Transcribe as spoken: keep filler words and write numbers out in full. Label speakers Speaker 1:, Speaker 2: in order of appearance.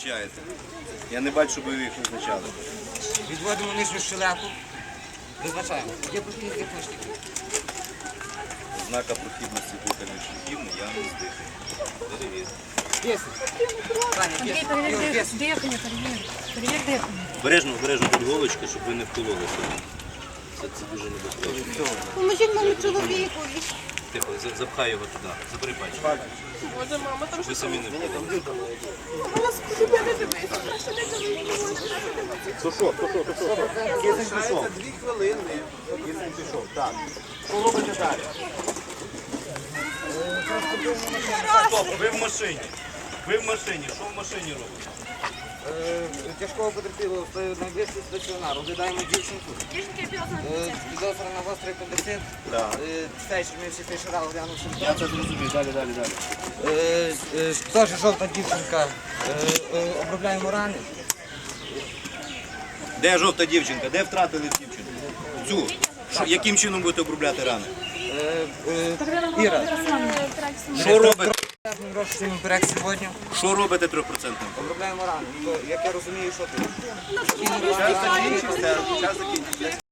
Speaker 1: Я не бачу, щоб ви їх визначали.
Speaker 2: Відводимо нижню щелепу, визначаємо. Є прохідність, є книжки.
Speaker 1: Знака прохідності дихальних шляхів наявність дихання. Перевір.
Speaker 2: Десять. Таня,
Speaker 3: Андрій,
Speaker 2: десять.
Speaker 3: перевір
Speaker 2: Ігор,
Speaker 3: дих-
Speaker 2: десять.
Speaker 3: дихання, перевір. Перевір дихання.
Speaker 1: Обережно, обережно тут голочки, щоб ви не вкололися. Це, це дуже небезпечно.
Speaker 3: Поможіть моєму чоловіку.
Speaker 1: Тихо, за- запхай його туди. Забери пальчик. Щоб ви самі не вкололися. То що, то що, то що? Кисень пішов. Дві хвилини. Кисень пішов, так. Що робите далі? Стоп, ви в машині. Ви в машині. Що в машині робите?
Speaker 2: Е, Тяжкого потерпілого в найближчий стаціонар. Оглядаємо дівчинку. Е, Підозра на гострий апендицит.
Speaker 1: Так.
Speaker 2: Е, Фельдшер, ми всі фельдшера оглянув
Speaker 1: Я
Speaker 2: симптоми.
Speaker 1: це зрозумів. Далі, далі, далі.
Speaker 2: Е, е, Теж жовта дівчинка. Е, е, Обробляємо рани.
Speaker 1: Де жовта дівчинка? Де втратили дівчинку? Цю. Що, яким чином будете обробляти рани?
Speaker 2: Е, е, Іра.
Speaker 1: Що робите?
Speaker 2: Розчинимо берег сьогодні.
Speaker 1: Що робите трьохпроцентним?
Speaker 2: Обробляємо рани. То, як я розумію, що ти?
Speaker 1: Час закінчився. Час закінчився.